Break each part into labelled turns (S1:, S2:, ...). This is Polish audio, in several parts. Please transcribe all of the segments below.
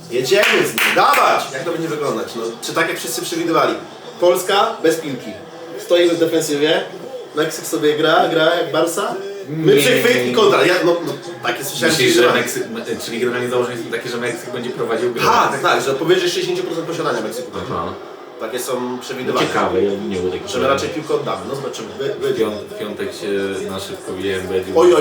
S1: Jedziemy z nim, dawać! Jak to będzie wyglądać? No, czy tak jak wszyscy przewidywali? Polska bez piłki. Stoimy w defensywie, Meksyk sobie gra jak Barsa. My przechwyt i kontra. Takie słyszałem.
S2: Myślisz, że Meksyk, czyli generalnie założenia są takie, że Meksyk będzie prowadził grę?
S1: Tak, że powyżej 60% posiadania Meksyku.
S2: Aha.
S1: Takie są przewidywania.
S2: Ciekawe, ja nie było
S1: Że my raczej piłkę oddamy, no zobaczymy.
S2: W piątek się na szybko WMB.
S1: Oj,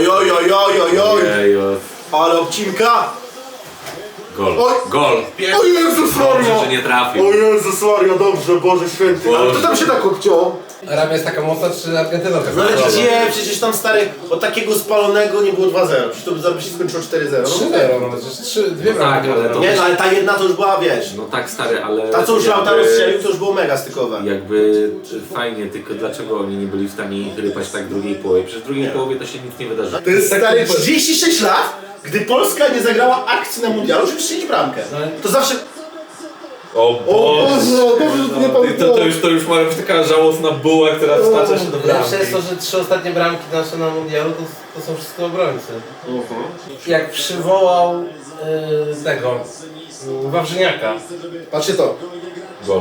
S1: ale obcinka!
S2: Gol.
S1: Oj.
S2: Gol.
S1: O Jezus Maria!
S2: Dobrze, że nie trafił.
S1: O Jezus Maria, dobrze, Boże Święty. Ale to tam się tak obciął.
S3: Arabia jest taka mocna, czy Argentyna taka
S1: No ale
S3: mocna?
S1: gdzie? Przecież tam stary, od takiego spalonego nie było 2-0. Przecież to by zaraz się skończyło 4-0.
S3: 3-0, no przecież dwie
S2: No tak, ale to-
S1: Nie, no ale ta jedna to już była, wiesz.
S2: No tak stary, ale...
S1: Ta co już Lautaro strzelił, to już było mega stykowe.
S2: Jakby fajnie, tylko dlaczego oni nie byli w stanie ich rypać tak w drugiej połowie? Przecież w drugiej połowie to się nic nie wydarzy.
S1: To jest stary 36 lat, gdy Polska nie zagrała akcji na mundialu, żeby strzelić bramkę. To zawsze...
S2: O
S1: Boże,
S2: to już ma być taka żałosna buła, która wstacza się do bramki.
S3: Lepsze jest to, że 3 ostatnie bramki nasze na mundialu to są wszystko obrońcy. Jak przywołał tego Wawrzyniaka.
S1: Patrzcie to.
S2: Gol.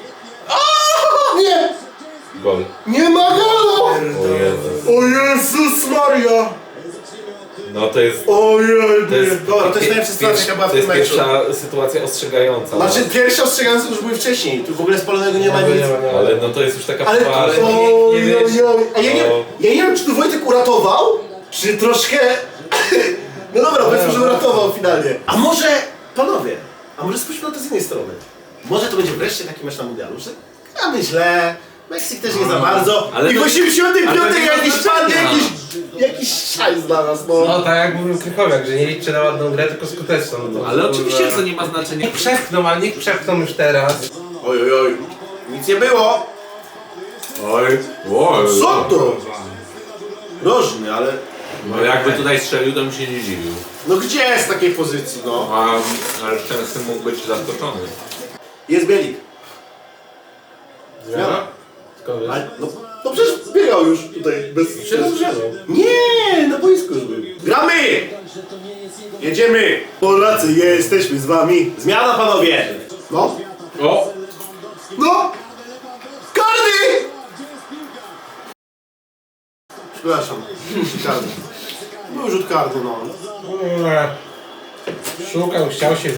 S1: Nie!
S2: Gol.
S1: Nie ma golu!
S2: O Jezus.
S1: O Jezus Maria!
S2: No to jest...
S1: Ojej, dobra, to jest najlepsza sytuacja, jaka była w
S2: To
S1: tym
S2: jest
S1: meczu.
S2: pierwsza sytuacja ostrzegająca.
S1: Znaczy pierwsze ostrzegające już były wcześniej, tu w ogóle spalonego nie ma nic.
S2: Ale no to jest już taka
S1: Ale
S2: poważna.
S1: A ja nie wiem, czy tu Wojtek uratował, czy troszkę... No dobra, powiedzmy, że uratował finalnie. A może, panowie, spójrzmy na to z innej strony. Może to będzie wreszcie taki mecz na mundialu, że gramy źle, Meksyk też nie za bardzo.
S2: ale
S1: I w
S2: to-
S1: 85
S2: ale to nie ma
S1: jakiś
S2: znaczenia.
S1: pan, jakiś szajs dla nas, no.
S3: No tak jak mówił Krychowiak, że nie liczcie na ładną grę, tylko skuteczną. No,
S2: Ale oczywiście to nie ma znaczenia.
S3: Niech przepchną, ale niech przepchną już teraz.
S1: Oj, nic nie było.
S2: Oj.
S1: Co to? Rożny, ale...
S2: No jakby tutaj strzelił, to bym się nie dziwił.
S1: No gdzie jest w takiej pozycji, no?
S2: Ale Szczęsny mógł być zaskoczony.
S1: Jest Bielik.
S3: Zmiana? Skąd wiesz?
S1: Ale, no przecież biegał już tutaj bez...
S3: Się rozgrzewał.
S1: Nie, na boisku już był. Gramy! Jedziemy! Polacy, jesteśmy z wami. Zmiana, panowie! No.
S2: O!
S1: No! Karny! Przepraszam. Karny. Był rzut karny, no.
S3: Szukał, chciał się.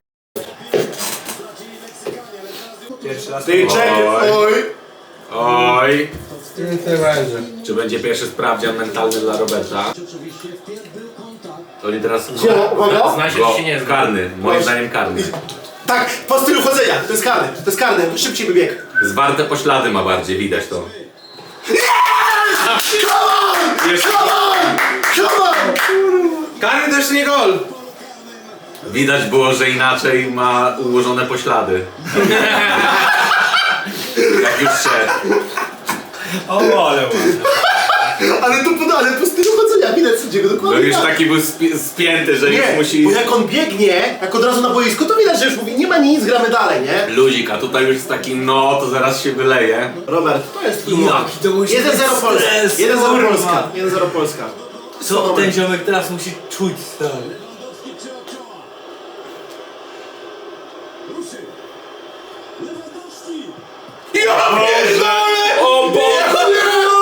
S1: Ty czekaj, oj!
S2: Oj!
S3: Nic nie będzie.
S2: Czy będzie pierwszy sprawdzian mentalny dla Roberta? Oni teraz...
S1: Uwaga!
S3: Zna się,
S2: Go,
S3: czy się nie zna.
S2: karny, moim zdaniem karny.
S1: Tak, po stylu chodzenia. To jest karny. Szybciej by biegł.
S2: Zwarte poślady ma bardziej, widać to.
S1: Come on!
S3: Karny to jeszcze nie gol!
S2: Widać było, że inaczej ma ułożone poślady. Jak już szedł.
S1: Ale po stylu chodzenia widać sędziego
S2: No
S1: dokładnie.
S2: już
S1: tak.
S2: taki był spięty, że już
S1: Nie,
S2: musi...
S1: bo jak on biegnie, jak od razu na boisku, to widać, że już mówi, nie ma nic, gramy dalej, nie?
S2: Ludzik, a tutaj już jest taki, no to zaraz się wyleje.
S1: Robert, to jest twój moment.
S4: Jaki to musi
S1: 1-0
S4: być
S1: Polska.
S4: stres,
S1: 1-0
S4: kurwa.
S1: Polska. 1-0 Polska.
S4: Co ten ziomek teraz musi czuć, stary?
S1: Ja pierdolę!
S2: O Boże!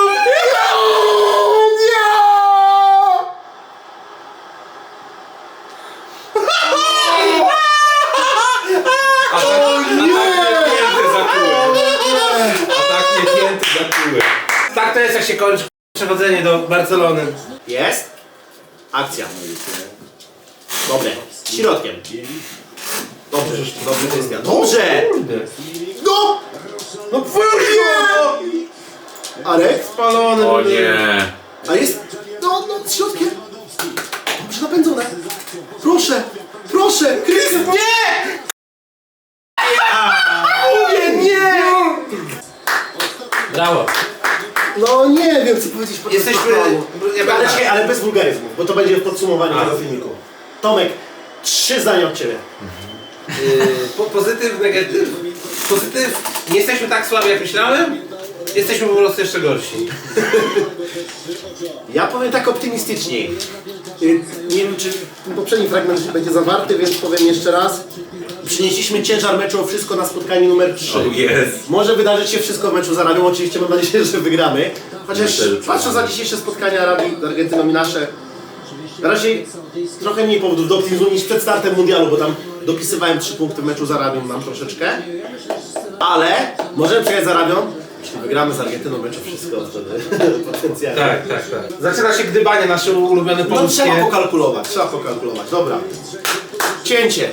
S2: A tak nie pięty za kółek.
S3: Tak to jest, jak się kończy przechodzenie do Barcelony.
S1: Jest. Akcja. Dobre. Środkiem. Dobrze, dobrze Krystian. Dobrze! No! No nie! Arek?
S3: Spalony.
S2: O nie.
S1: A jest... No, środkiem. Dobrze napędzone. Proszę, proszę, Krystian, nie! Mówię, nie!
S3: Brawo.
S1: No nie wiem, co powiedzieć po
S3: Jesteśmy...
S1: Ale czekaj, ale bez wulgaryzmów, bo to będzie w podsumowaniu tego filmiku. Tomek, 3 zdania od Ciebie.
S3: Pozytyw, negatyw. Pozytyw, nie jesteśmy tak słabi jak myślałem. Jesteśmy po prostu jeszcze gorsi.
S1: Ja powiem tak optymistycznie. Nie wiem, czy ten poprzedni fragment będzie zawarty, więc powiem jeszcze raz. przynieśliśmy ciężar meczu o wszystko na spotkanie numer 3.
S2: Jest.
S1: Może wydarzyć się wszystko w meczu z Arabią, oczywiście mam nadzieję, że wygramy. Chociaż
S2: Myślę, że
S1: patrząc na dzisiejsze spotkania Arabii z Argentyną i nasze, na razie trochę mniej powodów do optymizmu niż przed startem mundialu, bo tam dopisywałem 3 punkty w meczu z Arabią, mam troszeczkę. Ale możemy przegrać z Arabią. Jeśli wygramy z Argentyną meczu wszystko wtedy potencjalnie.
S3: Tak. Zaczyna się gdybanie nasze ulubione
S1: No
S3: polskie.
S1: trzeba pokalkulować. Dobra. Cięcie.